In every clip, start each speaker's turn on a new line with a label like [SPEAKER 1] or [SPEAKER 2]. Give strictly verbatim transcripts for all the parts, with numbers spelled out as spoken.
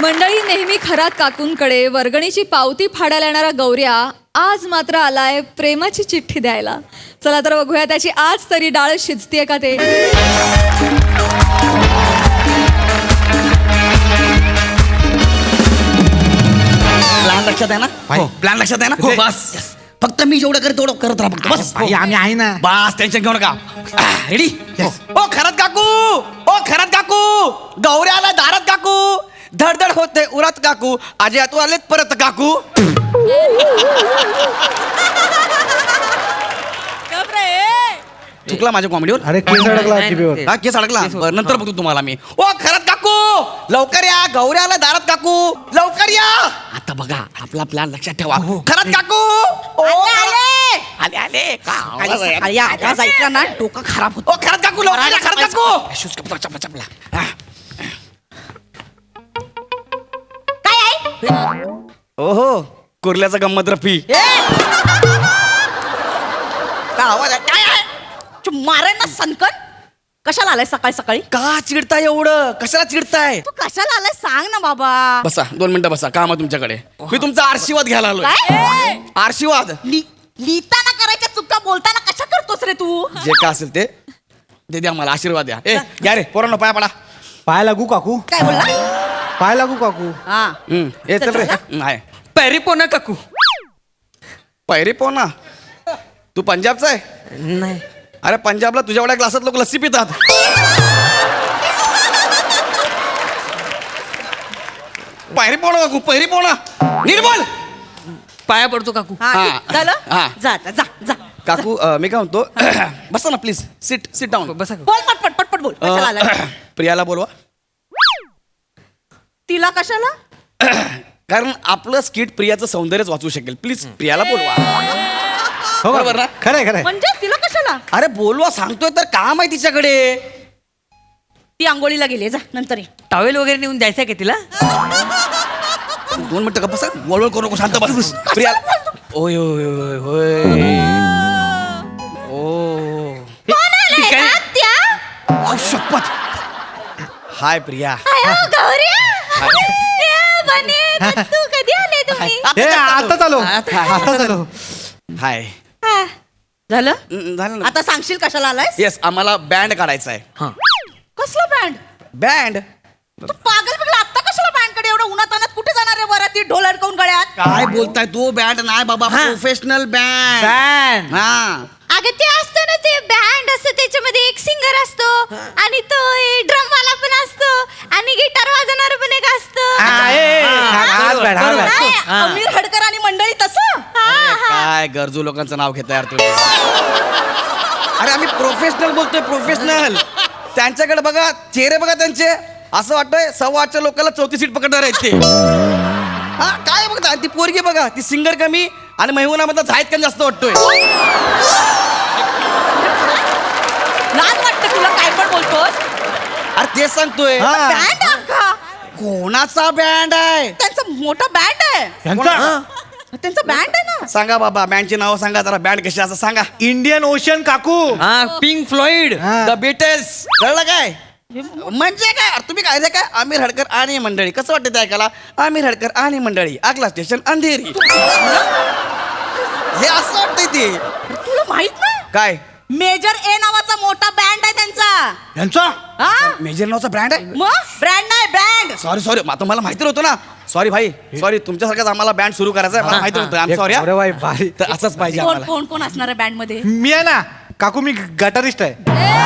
[SPEAKER 1] मंडळी, नेहमी खरात काकूंकडे वर्गणीची पावती फाडायला येणारा गौऱ्या आज मात्र आलाय प्रेमाची चिठ्ठी द्यायला. चला तर बघूया त्याची आज तरी डाळ शिजतीये का ते.
[SPEAKER 2] प्लॅन लक्षात आहे ना?
[SPEAKER 3] हो.
[SPEAKER 2] प्लॅन लक्षात आहे ना?
[SPEAKER 3] हो.
[SPEAKER 2] बस फक्त मी जेवढं करत तेवढं करत राहा फक्त. बस
[SPEAKER 3] भाई आम्ही आहे ना.
[SPEAKER 2] बस टेन्शन घेऊ नका. रेडी? ओ खरत काकू, ओ खरत काकू, गौऱ्या आला दारात काकू, धडधड होते उरात काकू, आजी तू आलेत परत काकू. चुकला माझ्या कॉमेडीवर.
[SPEAKER 3] अरे केस अडकला टीव्हीवर.
[SPEAKER 2] हा केस अडकला. बरं, नंतर बघतो तुम्हाला मी. ओ खरत काकू, लवकर या, गौऱ्या आला दारात काकू, लवकर या. आता बघा आपला प्लॅन लक्षात ठेवा. खरत काकू, ओ आले आले आले
[SPEAKER 4] सकाळी आवाज ऐकला ना डोकं खराब होत.
[SPEAKER 2] ओ खरत काकू, लवकर या, खरत काकू. शूज कपडा चपला चपला. हा.
[SPEAKER 4] काय आहे?
[SPEAKER 2] ओहो कुर्ल्याचा गंमत रफी.
[SPEAKER 4] काय आवाज आहे? काय आहे? मारेन ना सनकन. कशाला आलाय सकाळी सकाळी?
[SPEAKER 2] का चिडताय एवढं? कशाला चिडताय?
[SPEAKER 4] तू कशाला आलाय सांग ना बाबा.
[SPEAKER 2] बसा दोन मिनिटं बसा. काम आहे तुमच्याकडे. मी तुमचा आशीर्वाद घ्यायला आलोय.
[SPEAKER 4] काय?
[SPEAKER 2] आशीर्वाद
[SPEAKER 4] लि- लिहिताना करायच्या चुका बोलताना कशा करतोस रे तू?
[SPEAKER 2] जे का असेल ते ते द्या मला. आशीर्वाद द्या. ए घ्या रे पोरांनो पाया पडा.
[SPEAKER 3] पाय लागू काकू,
[SPEAKER 4] काय बोलला?
[SPEAKER 3] पाय लागू काकू.
[SPEAKER 4] हा
[SPEAKER 2] हम्म, ए चल रे. नाही
[SPEAKER 5] पैरी पोना काकू.
[SPEAKER 2] पैरी पोना. तू पंजाबचा आहे?
[SPEAKER 5] नाही.
[SPEAKER 2] अरे पंजाबला तुझ्या एवढ्या ग्लासात लोक लस्सी पितात. पैरी पोना काकू, पैरी पोना. निर्मल
[SPEAKER 5] पाया पडतो काकू.
[SPEAKER 4] हा
[SPEAKER 2] हा.
[SPEAKER 4] ठीक, झालं
[SPEAKER 2] हा.
[SPEAKER 4] जा आता, जा जा
[SPEAKER 2] काकू अ, मी काय म्हणतो बसा ना प्लीज. Sit sit down.
[SPEAKER 5] बसा काकू.
[SPEAKER 4] बोल पटपट पटपट बोल. कशाला आलाय?
[SPEAKER 2] प्रियाला बोलवा.
[SPEAKER 4] तिला कशाला?
[SPEAKER 2] कारण आपलं स्किट प्रियाचं सौंदर्यच वाचू शकेल. प्लीज प्रियाला बोलवा.
[SPEAKER 3] हो
[SPEAKER 2] बरोबर ना?
[SPEAKER 3] खरंय खरंय.
[SPEAKER 4] म्हणजे तिला कशाला?
[SPEAKER 2] अरे बोलवा सांगतोय तर काम आहे तिच्याकडे.
[SPEAKER 4] ती आंघोळीला गेली, जा नंतर ये.
[SPEAKER 5] टॉवेल वगैरे नेऊन द्यायचं का तिला?
[SPEAKER 2] दोन मिनिटं का बसा. वळवळ करू नको. शांत बस. प्रिया ओय ओय ओय होय. ओ
[SPEAKER 5] ती काय-
[SPEAKER 2] अहो, शपथ. हाय प्रिया.
[SPEAKER 4] तू कधी आले तुम्ही?
[SPEAKER 3] ए आता चालो,
[SPEAKER 5] आता-
[SPEAKER 3] आता चालो.
[SPEAKER 2] हाय.
[SPEAKER 4] झालं
[SPEAKER 2] हम्म, झालं ना.
[SPEAKER 4] आता सांगशील कशाला आलाय?
[SPEAKER 2] येस आम्हाला बँड काढायचा आहे.
[SPEAKER 5] हा.
[SPEAKER 4] कसला बँड?
[SPEAKER 2] बँड
[SPEAKER 4] तू पागल बिगला आता कशाला बँड कडे एवढं उन्हात आणत कुठे जाणार आहे वराती ढोल अडकवून गळ्यात?
[SPEAKER 2] काय बोलताय तू? बँड नाही बाबा,
[SPEAKER 5] हा.
[SPEAKER 2] Professional band.
[SPEAKER 5] बँड.
[SPEAKER 2] हा
[SPEAKER 6] अगं ते असतं ना, ते बँड असतं, त्याच्यामध्ये एक सिंगर असतो आणि तो ड्रम वाला पण असतो आणि गिटार वाजवणार पण एक असतं.
[SPEAKER 3] हा, ए, ए, हा, हाच बॅड, हा बॅड.
[SPEAKER 4] नाही,
[SPEAKER 5] हा.
[SPEAKER 4] आमिर हडकर आणि मंडळी तसं.
[SPEAKER 2] काय गरजू लोकांचं नाव घेता यार तुम्ही. अरे आम्ही प्रोफेशनल बोलतोय, प्रोफेशनल. त्यांच्याकडे बघा, चेहरे बघा त्यांचे. असं वाटतंय सव्वा आठच्या लोकांना चौथी सीट पकडणार आहेत ते. हा काय बघता ती पोरगी बघा, ती सिंगर कमी आणि महिवनामधला झायत कमी जास्त वाटतोय.
[SPEAKER 4] लाज वाटतं तुला काय पण बोलतोस?
[SPEAKER 2] अरे तेच सांगतोय.
[SPEAKER 3] हा.
[SPEAKER 4] बँड अख्खा
[SPEAKER 2] कोणाचा बँड आहे?
[SPEAKER 4] त्यांचा मोठा बँड आहे.
[SPEAKER 3] ह्यांचा
[SPEAKER 4] त्यांचा बँड आहे ना.
[SPEAKER 2] सांगा बाबा बँडची नाव सांगा जरा. बँड कशी असं सांगा.
[SPEAKER 3] इंडियन ओशन काकू.
[SPEAKER 5] हा पिंक फ्लॉइड.
[SPEAKER 3] हा.
[SPEAKER 2] The Beatles. कळलं काय? म्हणजे काय अरे तुम्ही काय काय आमिर हडकर आणि मंडळी कसं वाटतं ते ऐकायला? आमिर हडकर आणि मंडळी आगला स्टेशन अंधेरी. हे असं वाटतंय ते.
[SPEAKER 4] तुला माहित नाही?
[SPEAKER 2] काय
[SPEAKER 4] मेजर ए नावाचा मोठा बँड आहे त्यांचा.
[SPEAKER 3] ह्यांचा
[SPEAKER 4] हा
[SPEAKER 2] मेजर नावचा ब्रँड आहे?
[SPEAKER 4] मग ब्रँड नाही बँड.
[SPEAKER 2] सॉरी सॉरी आता मला माहिती नव्हतं ना. सॉरी भाई सॉरी. तुमच्यासारखाच आम्हाला बँड सुरू करायचा आहे. मला माहिती नव्हतं. आम सॉरी.
[SPEAKER 3] अरे बाई भारी.
[SPEAKER 2] तर असंच पाहिजे
[SPEAKER 4] कोण
[SPEAKER 2] आम्हाला.
[SPEAKER 4] कोण कोण असणार आहे बँड मध्ये?
[SPEAKER 3] मी आहे ना काकू, मी गटारिस्ट आहे.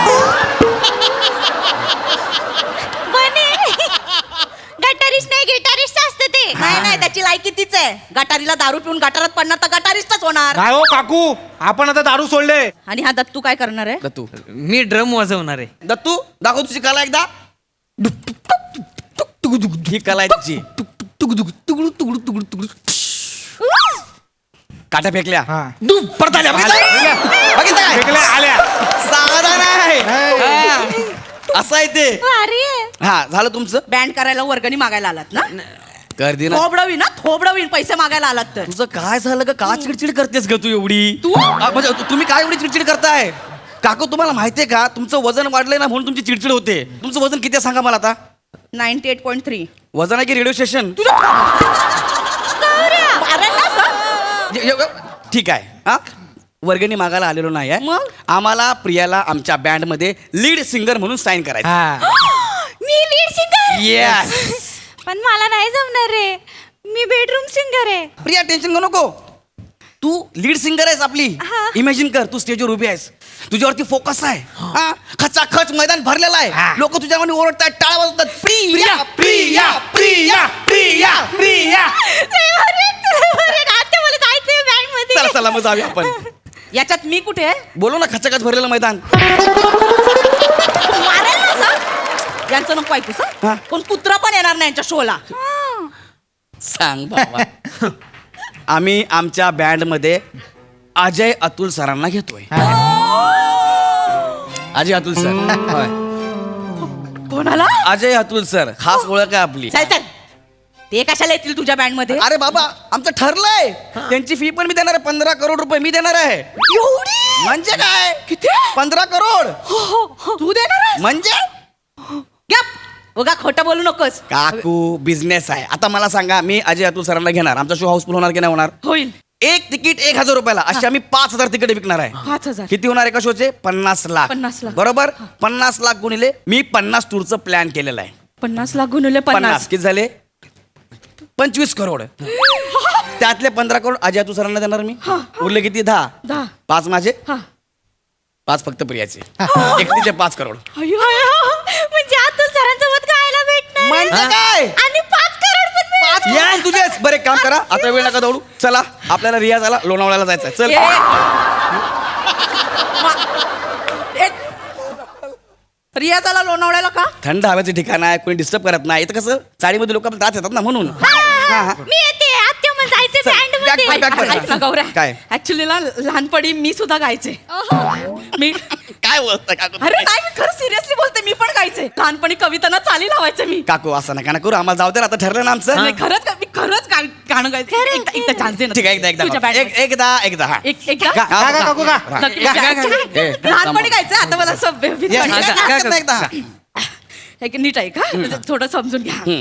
[SPEAKER 6] गटारिस्ट नाही, गिटारिस्ट असतं ते.
[SPEAKER 4] नाही नाही त्याची लायकी तीच आहे. गटारीला दारू पिऊन गटारात पडणार तर गटारिस्टच होणार.
[SPEAKER 3] काय हो काकू, आपण आता दारू सोडले.
[SPEAKER 4] आणि हा दत्तू काय करणार आहे?
[SPEAKER 2] दत्तू
[SPEAKER 5] मी ड्रम वाजवणार आहे.
[SPEAKER 2] दत्तू दाखव तुझी कला एकदा. ही कला आहे तुझी. काट्या फेकल्या.
[SPEAKER 3] हा.
[SPEAKER 2] परत आल्या. बघितलं? बघितलं काय?
[SPEAKER 3] फेकल्या, आल्या.
[SPEAKER 2] साधा नाही. हा. असं आहे ते.
[SPEAKER 6] भारी आहे.
[SPEAKER 2] हा झालं तुमचं.
[SPEAKER 4] बँड करायला वर्गणी मागायला आलात ना?
[SPEAKER 2] गर्दी ना.
[SPEAKER 4] थोबडवीन ना थोबडवीन पैसे मागायला आलात तर.
[SPEAKER 2] तुझं काय झालं ग? का चिडचिड करतेस ग तू एवढी?
[SPEAKER 4] तू?
[SPEAKER 2] आ, म्हणजे तु- तुम्ही काय एवढी चिडचिड करताय? काकू तुम्हाला माहितीये का तुमचं वजन वाढलंय ना म्हणून तुमची चिडचिड होते. तुमचं वजन किती आहे सांगा मला आता.
[SPEAKER 4] नाईन्टी एट पॉईंट थ्री
[SPEAKER 2] वजन आहे की रेडिओ स्टेशन ठीक आहे हा वर्गणी मागायला आलेलो नाही आहे
[SPEAKER 4] मग?
[SPEAKER 2] आम्हाला प्रियाला आमच्या बँड मध्ये लीड सिंगर म्हणून साईन करायचं
[SPEAKER 3] हा
[SPEAKER 6] मी लीड सिंगर
[SPEAKER 2] येस
[SPEAKER 6] पण मला नाही जमणार रे मी बेडरूम सिंगर आहे
[SPEAKER 2] प्रिया टेन्शन घेऊ नको तू लीड सिंगर आहेस आपली
[SPEAKER 6] हा.
[SPEAKER 2] इमॅजिन कर तू स्टेजवर उभी आहेस तुझ्यावरती फोकस आहे हा खचाखच मैदान भरलेलं आहे लोक तुझ्यावर ओरडतात टाळ्या वाजवतात प्रिया प्रिया प्रिया प्रिया प्रिया
[SPEAKER 6] आता मला जायचंय बँड मध्ये
[SPEAKER 2] चला चला मग जाऊया आपण
[SPEAKER 4] याच्यात मी कुठे आहे
[SPEAKER 2] बोलो ना खचाखच भरलेलं मैदान
[SPEAKER 4] मारेल ना सर यांचं नको ऐकू
[SPEAKER 2] हा.
[SPEAKER 4] सर कोण कुत्रा पण येणार नाही यांच्या शोला
[SPEAKER 2] सांग बाबा आम्ही आमच्या बँड मध्ये अजय अतुल सरांना घेतोय अजय अतुल सर होय
[SPEAKER 4] कोणाला
[SPEAKER 2] अजय अतुल सर खास ओळख आहे आपली
[SPEAKER 4] चल चल ते कशाला येतील तुझ्या बँड मध्ये
[SPEAKER 2] अरे बाबा आमचं ठरलंय त्यांची फी पण मी देणार आहे पंधरा करोड रुपये मी देणार आहे
[SPEAKER 4] एवढी
[SPEAKER 2] म्हणजे काय
[SPEAKER 4] किती
[SPEAKER 2] पंधरा करोड
[SPEAKER 4] तू देणार आहेस?
[SPEAKER 2] म्हणजे
[SPEAKER 4] गप बघा खोटं बोलू नकोस
[SPEAKER 2] काकू बिझनेस आहे आता मला सांगा मी अजय अतुल सरांना घेणार आमचा शो हाऊसफुल होणार की नाही होणार
[SPEAKER 4] होईल
[SPEAKER 2] एक तिकीट एक हजार रुपयाला अशी आम्ही पाच हजार तिकीट विकणार आहे
[SPEAKER 4] पाच हजार
[SPEAKER 2] किती होणार एका शोचे पन्नास लाख
[SPEAKER 4] पन्नास लाख.
[SPEAKER 2] बरोबर पन्नास लाख गुणिले मी पन्नास टूरचं प्लॅन केलेलं आहे
[SPEAKER 4] पन्नास लाख गुणवले
[SPEAKER 2] पन्नास
[SPEAKER 4] पन्नास
[SPEAKER 2] किती झाले पंचवीस करोड त्यातले पंधरा करोड अजय अतुल सरांना देणार मी उरले किती दहा
[SPEAKER 4] दहा
[SPEAKER 2] पाच माझे
[SPEAKER 4] हा
[SPEAKER 2] पाच फक्त प्रियाचे एकटीचे पाच करोड
[SPEAKER 4] अय्यो, अय्यो.
[SPEAKER 6] म्हणजे अतुल सरांसोबत गायला भेटणार
[SPEAKER 2] म्हणजे काय
[SPEAKER 6] आणि पाच करोड पण मिळणार.
[SPEAKER 2] पाच करोड तुझेच बरं एक काम करा आता वेळ नका दौडू चला आपल्याला रियाजाला लोणावळ्याला जायचं चल
[SPEAKER 4] ए. मा- एक- रियाजाला लोणावळ्याला का
[SPEAKER 2] थंड हवेचं ठिकाण आहे कोणी डिस्टर्ब करत नाही इथं कसं चाळीमध्ये लोक त्रास येतात ना म्हणून
[SPEAKER 6] हा,
[SPEAKER 2] हा, हा.
[SPEAKER 6] मी येते आत्या मला जायचं
[SPEAKER 2] चल,
[SPEAKER 6] बँड
[SPEAKER 2] back-
[SPEAKER 6] मध्ये
[SPEAKER 2] back- back-
[SPEAKER 4] ऐक ना गौऱ्या
[SPEAKER 2] काय?
[SPEAKER 4] ऍक्च्युली ना लहानपणी मी सुद्धा गायचे मी
[SPEAKER 2] काय बोलतोय काकू
[SPEAKER 4] अरे नाही मी खरं सिरियसली बोलते मी पण गायचे लहानपणी कवितांना चाली लावायचे मी
[SPEAKER 2] काकू असं नका ना करू आम्हाला जाऊ दे ना, आता ठरलं ना आमचं
[SPEAKER 4] नाही, खरंच गा- मी खरंच गा- गाणं गायचं एकदा एकदा चान्स दे ना
[SPEAKER 2] ठीक आहे एकदा
[SPEAKER 4] तुझ्या
[SPEAKER 2] एकदा
[SPEAKER 4] band
[SPEAKER 2] एक- एकदा एकदा हा
[SPEAKER 4] मध्ये. एक एकदा
[SPEAKER 3] गा गा गा काकू गा
[SPEAKER 2] हा.
[SPEAKER 4] नक्की
[SPEAKER 5] गा- गा-
[SPEAKER 4] गायचं.
[SPEAKER 5] गा-
[SPEAKER 2] ए,
[SPEAKER 4] लहानपणी गायचं आता मला असं भे- भीती
[SPEAKER 2] या,
[SPEAKER 4] वाटते.
[SPEAKER 2] एकदा,
[SPEAKER 5] गा-
[SPEAKER 2] एकदा,
[SPEAKER 5] गा-
[SPEAKER 2] एकदा.
[SPEAKER 4] एक नीट आहे का थोडं समजून घ्या
[SPEAKER 2] हम्म.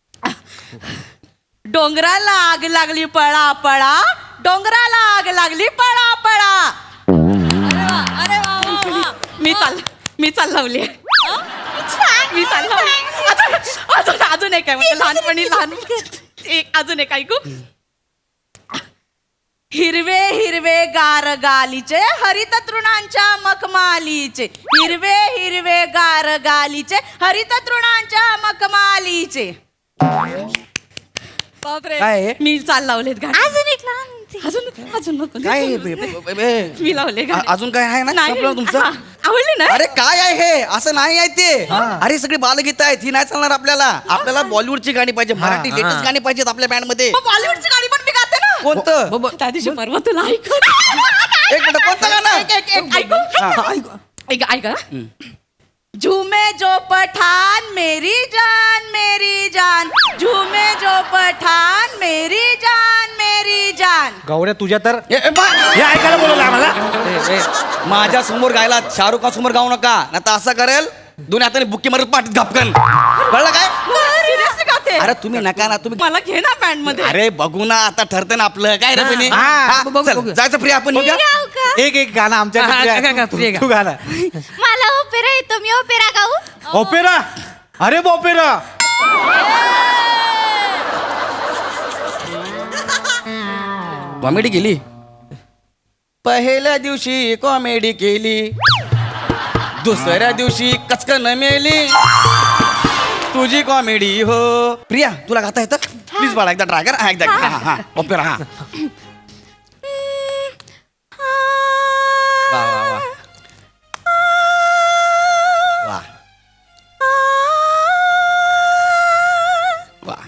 [SPEAKER 4] डोंगराला आग लागली पळा पळा डोंगराला आग लागली पळा पळा
[SPEAKER 1] अरे वा वा वा
[SPEAKER 4] मी चाल मी चाल लावली मी चाल लावली अजून अजून अजून एक आहे म्हणजे लहानपणी लहान एक अजून एक ऐकू हिरवे हिरवे गार गालीचे हरित तृणांच्या मखमालीचे हिरवे हिरवे गार गालीचे हरित तृणांच्या मखमालीचे
[SPEAKER 1] बापरे
[SPEAKER 2] काय आहे?
[SPEAKER 4] मी चाल लावलेत गाणे
[SPEAKER 6] अजून एक लहान
[SPEAKER 4] अजून अजून नको
[SPEAKER 2] काय आहे? बे- बे- बे- बे-
[SPEAKER 4] मी लावले गाणे.
[SPEAKER 2] अ- अजून काय आहे ना
[SPEAKER 4] नाही.
[SPEAKER 2] संपलं तुमचं
[SPEAKER 4] हा, आवडले ना
[SPEAKER 2] अरे काय आहे हे असं नाही आहे ते अरे सगळी बालगीत आहेत ही नाही चालणार आपल्याला आपल्याला बॉलिवूडची गाणी पाहिजे मराठी लेटेस्ट गाणी पाहिजेत आपल्या बँड मध्ये
[SPEAKER 4] मग बॉलिवूडची गाणी पण मी गाते ना
[SPEAKER 2] कोणतं
[SPEAKER 4] त्या दिवशी परवा तुला ऐक
[SPEAKER 2] एक मिनिट कोणतं गाणं
[SPEAKER 4] एक एक एक ऐकू
[SPEAKER 2] हा.
[SPEAKER 4] ऐक ऐका झूमे जो पठान मेरी जान मेरी जान झूमे जो पठान मेरी जान मेरी जान
[SPEAKER 3] गौऱ्या तुझ्या तर
[SPEAKER 2] ए, ए, बा-
[SPEAKER 3] हे ऐकायला बोलवलं आम्हाला
[SPEAKER 2] माझ्या समोर गायला शाहरुख खान समोर गाऊ नका नाही तर असं करेल दोन हाताने बुक्की मारत पाठीत घापकन कळलं काय
[SPEAKER 4] सिरियसली गाते
[SPEAKER 2] अरे तुम्ही नका ना तुम्ही
[SPEAKER 4] मला घे ना बँड मध्ये
[SPEAKER 2] अरे बघू ना आता ठरतं ना आपलं काय रे बहिणी?
[SPEAKER 3] हा,
[SPEAKER 2] हा,
[SPEAKER 5] बघू,
[SPEAKER 2] चल,
[SPEAKER 5] बघू.
[SPEAKER 2] जायचं फ्री आपण निघूया?
[SPEAKER 6] गाऊ का
[SPEAKER 3] एक एक गाणं आमच्या
[SPEAKER 5] हा, गा- गा- गा, प्रिया गा.
[SPEAKER 3] तू गाणं
[SPEAKER 6] मला ओपेरा येतो मी ओपेरा गाऊ
[SPEAKER 3] ओपेरा अरे ओपेरा
[SPEAKER 2] कॉमेडी केली पहिल्या दिवशी कॉमेडी केली दुसऱ्या दिवशी कचकन मेली तुझी कॉमेडी हो प्रिया तुला गाता येतं प्लीज बाळा एकदा ट्राय कर हा एकदा हा हा, हा ओपेरा हा वा वा वा वा वा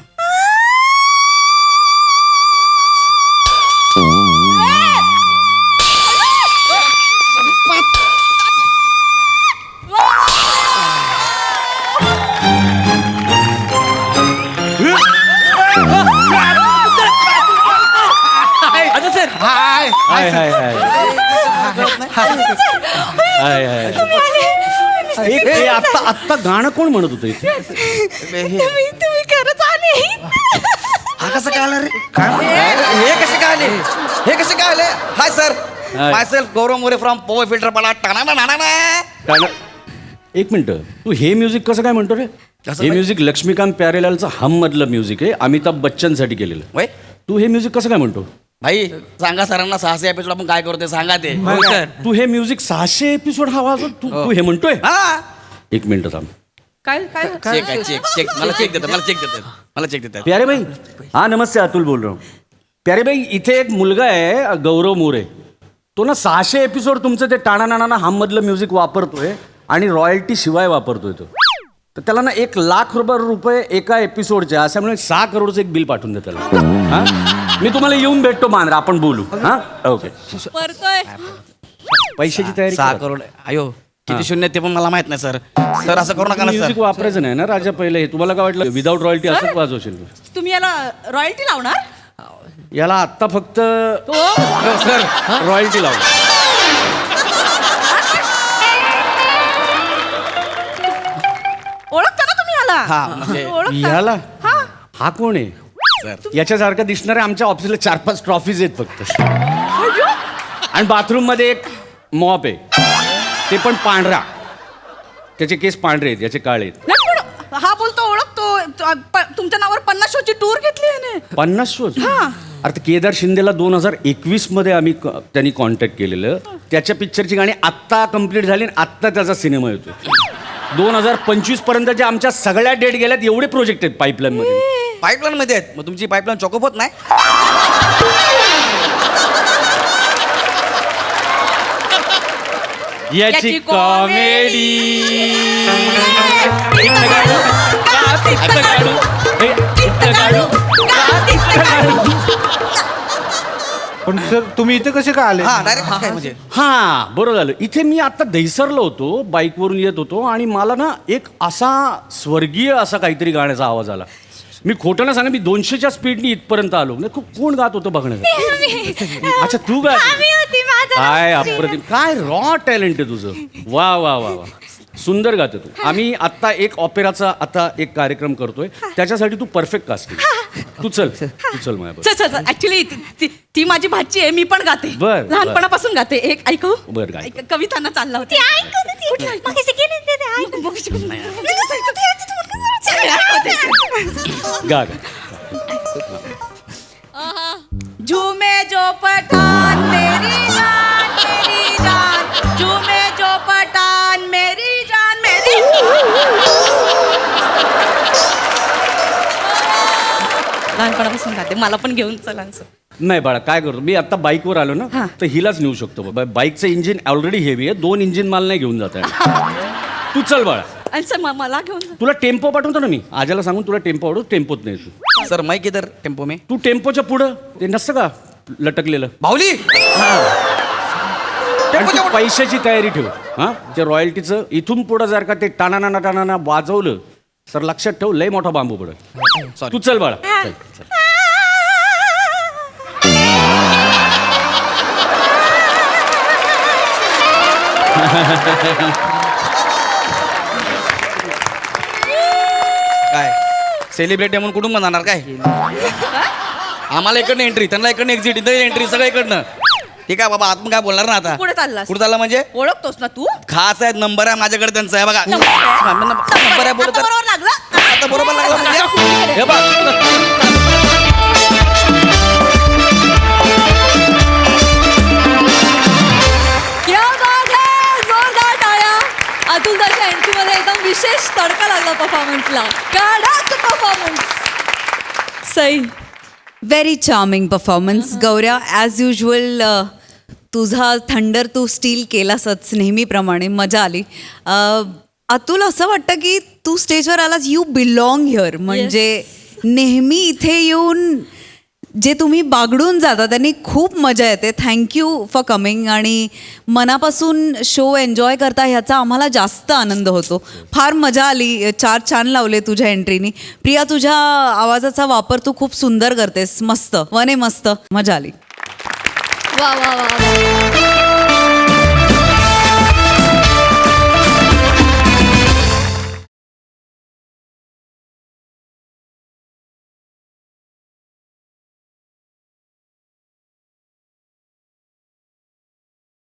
[SPEAKER 5] आता सर
[SPEAKER 3] हाय हाय हाय हाय हाय हाय एक हे आत्ता आत्ता गाणं कोण म्हणत होतं इथे?
[SPEAKER 4] तुम्ही तुम्ही खरंच आले.
[SPEAKER 2] हा कसं काय आलं रे हे कसे काय आले हे कसे काय आले hi sir
[SPEAKER 3] hi.
[SPEAKER 2] Myself Gaurav More from power filter पाला टाणा ना ना
[SPEAKER 3] गाणं- एक मिनिट तू हे म्युझिक कसं काय म्हणतो रे
[SPEAKER 2] कसं
[SPEAKER 3] हे
[SPEAKER 2] काय?
[SPEAKER 3] म्युझिक लक्ष्मीकांत प्यारेलालचं हम मधलं म्युझिक आहे अमिताभ बच्चनसाठी केलेलं
[SPEAKER 2] वय
[SPEAKER 3] तू हे म्युझिक कसं काय म्हणतो
[SPEAKER 2] भाई सांगा सरांना सहाशे एपिसोड आपण काय करतोय सांगा ते
[SPEAKER 5] हो सर.
[SPEAKER 3] तू हे म्युझिक सहाशे एपिसोड हवा असेल, तू तू हे म्हणतोय
[SPEAKER 2] हा
[SPEAKER 3] एक मिनिट थांब
[SPEAKER 4] काय काय
[SPEAKER 2] चेक आहे चेक चेक मला चेक देतात मला चेक देतात मला चेक देतात
[SPEAKER 3] प्यारे भाई हा नमस्ते अतुल बोल रहा हूँ प्यारे भाई इथे एक मुलगा आहे गौरव मोरे तो ना सहाशे एपिसोड तुमचं ते टाणा नाना हम मधलं म्युझिक वापरतोय आणि रॉयल्टी शिवाय वापरतोय तो तर त्याला ना एक लाख रुपये रुपये एका एपिसोडच्या अशामुळे सहा करोडचं एक बिल पाठवून दे त्याला हा मी तुम्हाला येऊन भेटतो मांजरा आपण बोलू हा ओके
[SPEAKER 1] परतोय
[SPEAKER 3] पैशाची तयारी
[SPEAKER 2] सहा
[SPEAKER 3] करा.
[SPEAKER 2] करोड अयो किती शून्य ते पण मला माहित नाही सर सर असं करू नका ना
[SPEAKER 3] म्युझिक
[SPEAKER 2] सर
[SPEAKER 3] वापरायचं नाही ना राजा पहिले हे तुम्हाला काय वाटलं विदाऊट रॉयल्टी असंच वाजवशील तू?
[SPEAKER 4] तुम्ही याला रॉयल्टी लावणार?
[SPEAKER 3] याला आत्ता फक्त
[SPEAKER 4] हो
[SPEAKER 3] सर रॉयल्टी लावू
[SPEAKER 4] ओळखता ना तुम्ही याला?
[SPEAKER 2] हा, म्हणजे
[SPEAKER 4] ओळखता?
[SPEAKER 3] याला
[SPEAKER 4] हा.
[SPEAKER 3] हा कोण आहे
[SPEAKER 2] सर
[SPEAKER 3] याच्यासारखं दिसणाऱ्या आमच्या ऑफिसला चार पाच ट्रॉफीज आहेत फक्त आणि बाथरूम मध्ये एक मॉप आहे ते पण पांढरा त्याचे केस पांढरे आहेत याचे काळे आहेत
[SPEAKER 4] नाही, पण हा बोलतो ओळखतो त- प- तुमच्या नावावर पन्नास शोची टूर घेतली याने.
[SPEAKER 3] पन्नास शोज
[SPEAKER 4] हा.
[SPEAKER 3] अरे ते केदार शिंदेला दोन हजार एकवीस मध्ये आम्ही क- त्यांनी कॉन्टॅक्ट केलेलं त्याच्या पिक्चरची गाणी आत्ता कम्प्लीट झाली आणि आत्ता त्याचा सिनेमा येतो दोन हजार पंचवीस पर्यंतच्या आमच्या सगळ्या डेट गेल्यात एवढे प्रोजेक्ट आहेत पाईपलाईन मध्ये
[SPEAKER 2] पाईपलाईन मध्ये आहेत मग तुमची पाईपलाईन चॉकअप होत नाही
[SPEAKER 3] याची
[SPEAKER 4] याची
[SPEAKER 3] कॉमेडी
[SPEAKER 7] पण सर तुम्ही इथे कसे का आले
[SPEAKER 2] हा डायरेक्ट काय म्हणजे
[SPEAKER 3] हा बरं झालं इथे मी आता दहिसरलो होतो बाईकवरून येत होतो आणि मला ना एक असा स्वर्गीय असा काहीतरी गाण्याचा आवाज आला मी खोटं ना सांगा मी दोनशेच्या स्पीडनी इथपर्यंत आलो म्हणजे खूप कोण गात होतं बघण्याचं अच्छा तू गात होती?
[SPEAKER 6] आम्ही होती माझा
[SPEAKER 3] काय अप्रतिम काय रॉ टॅलेंट आहे तुझं वा वा वा वा सुंदर गाते तू आम्ही आता एक ऑपेराचा आता एक कार्यक्रम करतोय त्याच्यासाठी तू परफेक्ट कास्टिंग तू चल तू चल माझ्या
[SPEAKER 4] चल चल ऍक्च्युली ती माझी भाची आहे मी पण गाते
[SPEAKER 3] बर, बर.
[SPEAKER 4] लहानपणापासून गाते एक ऐकू
[SPEAKER 3] बर, गाय.
[SPEAKER 4] ऐक- कवितांना चालला होता
[SPEAKER 6] ती ऐकत होती मगाशी गेली ते ते ऐकत
[SPEAKER 3] गा गा
[SPEAKER 4] झूमे जो पठान मेरी जान मेरी जान झूमे जो पठान मेरी जान मेरी लहानपणापासून गाते मला पण घेऊन चला असं.
[SPEAKER 3] नाही बाळा काय करतो मी आता बाईकवर आलो ना
[SPEAKER 4] हा.
[SPEAKER 3] तर हिलाच नेऊ शकतो बा- बाईकचं इंजिन ऑलरेडी हेवी आहे दोन इंजिन माल नाही घेऊन जात आहे तू चल बाळा
[SPEAKER 4] आणि सर म- मला घेऊन जा.
[SPEAKER 3] तुला टेम्पो पाठवतो ना मी आजाला सांगून तुला टेम्पो आवडतो टेम्पोत नाही तू
[SPEAKER 2] सर माईक इधर टेम्पो में
[SPEAKER 3] तू टेम्पोच्या पुढं ते नसतं का लटकलेलं
[SPEAKER 2] बाहुली
[SPEAKER 3] आणि तू पैशाची तयारी ठेव हा ते रॉयल्टीचं इथून पुढं जर का ते टाणाना टाणाना वाजवलं तर लक्षात ठेव लय मोठा बांबू पडत
[SPEAKER 2] Sorry.
[SPEAKER 3] तू चल बाळा चल, चल.
[SPEAKER 2] काय सेलिब्रिटी म्हणून कुठून जाणार काय आम्हाला इकडनं एंट्री त्यांना इकडनं एक्झिट इथं एंट्री सगळं इकडनं ठीक आहे बाबा आतून काय बोलणार ना आता
[SPEAKER 4] पुढे चाललास
[SPEAKER 2] कुठं चालला म्हणजे
[SPEAKER 4] ओळखतोस ना तू
[SPEAKER 2] खास आहे नंबर आहे माझ्याकडे त्यांचा आहे बघा
[SPEAKER 4] नंबर आहे?
[SPEAKER 2] नंबर आहे बोलत
[SPEAKER 4] आता बरोबर लागला
[SPEAKER 2] आता बरोबर लागला म्हणजे हे बघ
[SPEAKER 1] क्या बात है जोरदार टाळ्या अतुल दाच्या एंट्री मध्ये एकदम विशेष तडका लागला परफॉर्मन्सला कडक performance
[SPEAKER 8] Sai very charming performance गौऱ्या ॲज युजल तुझा थंडर तू स्टील केलासच नेहमीप्रमाणे मजा आली अ, अतुल असं वाटतं की तू स्टेजवर आलास यू बिलॉंग हिअर म्हणजे नेहमी इथे येऊन जे तुम्ही बागडून जाता त्यांनी खूप मजा येते थँक्यू फॉर कमिंग आणि मनापासून शो एन्जॉय करता ह्याचा आम्हाला जास्त आनंद होतो फार मजा आली चार छान लावले तुझ्या एंट्रीनी प्रिया तुझ्या आवाजाचा वापर तू खूप सुंदर करतेस मस्त वने मस्त मजा आली
[SPEAKER 1] वा वा वा वा